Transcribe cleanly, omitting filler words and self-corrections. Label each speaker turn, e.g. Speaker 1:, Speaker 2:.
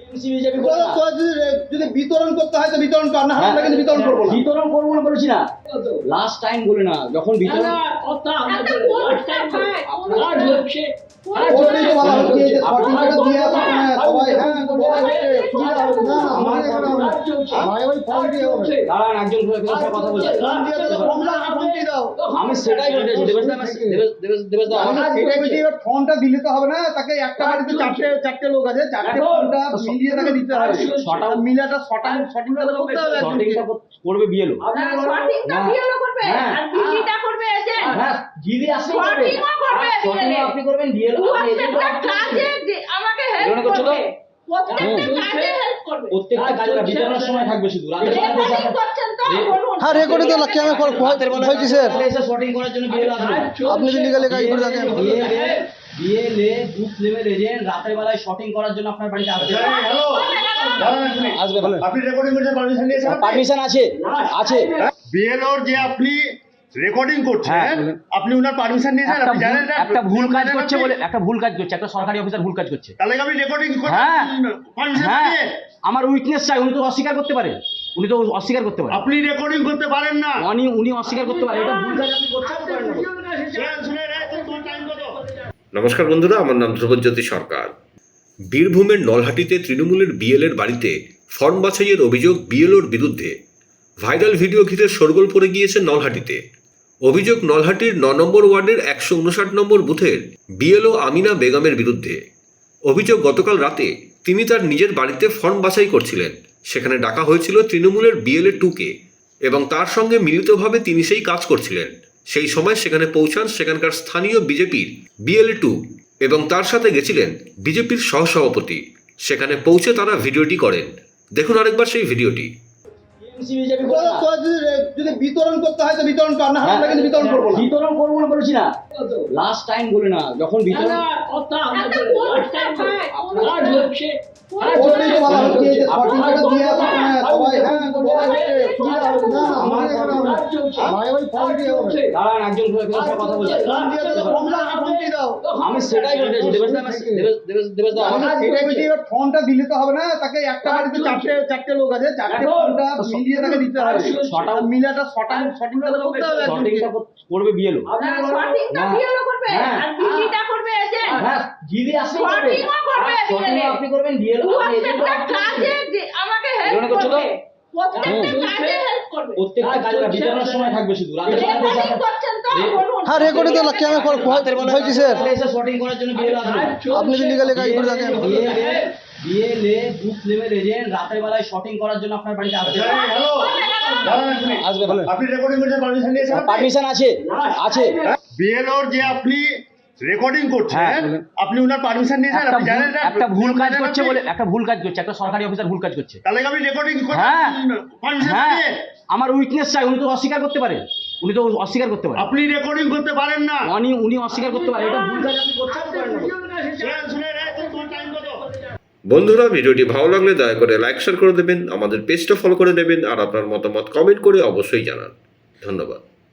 Speaker 1: যদি বিতরণ করতে হয় তো বিতরণ কর, না আমরা কিন্তু বিতরণ করবো না।
Speaker 2: বিতরণ করবো না বলেছি না, লাস্ট টাইম বলে না, যখন বিতরণ একজন কথা বলছে, আমি সেটাই বলতে চাইছি। দেবেশ দা
Speaker 1: ফোনটা দিলে তো হবে না, তাকে একটা বাড়িতে চারটে লোক আছে, চারটে ফোনটা মিলিয়ে তাকে দিতে হবে। মিলাটা সঠিকটা করতে হবে,
Speaker 2: সঠিকটা করবে বিএলও। জিডি আসলে করবে, আপনি করবেন বিএলও, আপনি এজেন্ট করছো তো প্রত্যেকটা কাজে বিতরণের সময় থাকবে, শুধু রাতের
Speaker 3: হ্যাঁ রেকর্ডে তো লাগছে। আমি ভয় কিসের?
Speaker 2: এসে শর্টিং করার জন্য বিএলও আসবে।
Speaker 3: আপনি তো লিগালি কাজ করে থাকেন।
Speaker 2: বিএলএ বুথ লেভেল এজেন্ট রাতের বেলায় শর্টিং করার জন্য আপনার বাড়িতে আসবে।
Speaker 1: আপনি রেকর্ডিং করতে পারমিশন নিয়েছেন?
Speaker 2: পারমিশন আছে, আছে।
Speaker 1: বিএলওর যে আপনি রেকর্ডিং করছেন, আপনি উনার পারমিশন নিয়েছেন? আপনি জানেন না
Speaker 2: একটা ভুল কাজ করছে বলে, একটা ভুল কাজ করছে, একটা সরকারি অফিসার ভুল কাজ করছে,
Speaker 1: তাহলে আপনি রেকর্ডিং করতে
Speaker 2: হ্যাঁ
Speaker 1: পারমিশন
Speaker 2: হ্যাঁ
Speaker 1: নিয়ে?
Speaker 2: আমার উইকনেস চাই, উনি তো অস্বীকার করতে পারেন, উনি তো অস্বীকার করতে পারেন,
Speaker 1: আপনি রেকর্ডিং করতে পারেন না,
Speaker 2: উনি অস্বীকার করতে পারেন। এটা ভুল কাজ আপনি করতে পারেন না।
Speaker 4: নমস্কার বন্ধুরা, আমার নাম ধ্রুবজ্যোতি সরকার। বীরভূমের নলহাটিতে তৃণমূলের বিএলএর বাড়িতে ফর্ম বাছাইয়ের অভিযোগ বিএলওর বিরুদ্ধে। ভাইরাল ভিডিও ঘিরে শোরগোল পড়ে গিয়েছে নলহাটিতে। অভিযোগ নলহাটির ৯ নম্বর ওয়ার্ডের ১৫৯ নম্বর বুথের বিএলও আমিনা বেগমের বিরুদ্ধে। অভিযোগ গতকাল রাতে তিনি তার নিজের বাড়িতে ফর্ম বাছাই করছিলেন। সেখানে ডাকা হয়েছিল তৃণমূলের বিএলএ 2কে এবং তার সঙ্গে মিলিতভাবে তিনি সেই কাজ করছিলেন। সেই সময় সেখানে পৌঁছান সেখানকার স্থানীয় বিজেপির বিএলএ 2 এবং তার সাথে গেছিলেন বিজেপির সহসভাপতি। সেখানে পৌঁছে তারা ভিডিওটি করেন। দেখুন আরেকবার সেই ভিডিওটি।
Speaker 1: যদি বিতরণ করতে হয় তো বিতরণ কর, না আমরা কিন্তু বিতরণ করবো না।
Speaker 2: বিতরণ করবো না বলেছি না, লাস্ট টাইম বলে না, যখন বিতরণ একজন কথা বলছে, আমি সেটাই বলতে চাইছি। দেবেশ দা
Speaker 1: ফোনটা দিলে তো হবে না, তাকে একটা বাড়িতে চারটে লোক আছে, চারটে ফোনটা মিলিয়ে তাকে দিতে হবে। মিলাটা সঠিকটা করতে হবে,
Speaker 2: সঠিকটা করবে বিএলও। জিডি আসলে করবে, আপনি করবেন বিএলও, আপনি এজেন্ট করছো তো প্রত্যেকটা কাজে বিতরণের সময় থাকবে, শুধু রাতের
Speaker 3: হ্যাঁ রেকর্ডে তো লাগছে। আমি ভয় কিসের?
Speaker 2: এসে শর্টিং করার জন্য বিএলও আসবে।
Speaker 3: আপনি তো লিগালি কাজ করে থাকেন।
Speaker 2: বিএলএ বুথ লেভেল এজেন্ট রাতের বেলায় শর্টিং করার জন্য আপনার বাড়িতে আসবে।
Speaker 1: আপনি রেকর্ডিং করতে পারমিশন নিয়েছেন?
Speaker 2: পারমিশন আছে, আছে।
Speaker 1: বিএলওর যে আপনি রেকর্ডিং করছেন, আপনি উনার পারমিশন নিয়েছেন? আপনি জানেন না
Speaker 2: একটা ভুল কাজ করছে বলে, একটা ভুল কাজ করছে, একটা সরকারি অফিসার ভুল কাজ করছে,
Speaker 1: তাহলে আপনি রেকর্ডিং করতে পারমিশন
Speaker 2: হ্যাঁ
Speaker 1: নিয়ে?
Speaker 2: আমার উইকনেস চাই, উনি তো অস্বীকার করতে পারেন, উনি তো অস্বীকার করতে পারেন,
Speaker 1: আপনি রেকর্ডিং করতে পারেন না,
Speaker 2: উনি অস্বীকার করতে পারেন। এটা ভুল কাজ আপনি করতে পারেন না।
Speaker 4: বন্ধুরা, ভিডিওটি ভালো লাগলে দয়া করে লাইক শেয়ার করে দেবেন, আমাদের পেজটা ফলো করে দেবেন আর আপনার মতামত কমেন্ট করে অবশ্যই জানান। ধন্যবাদ।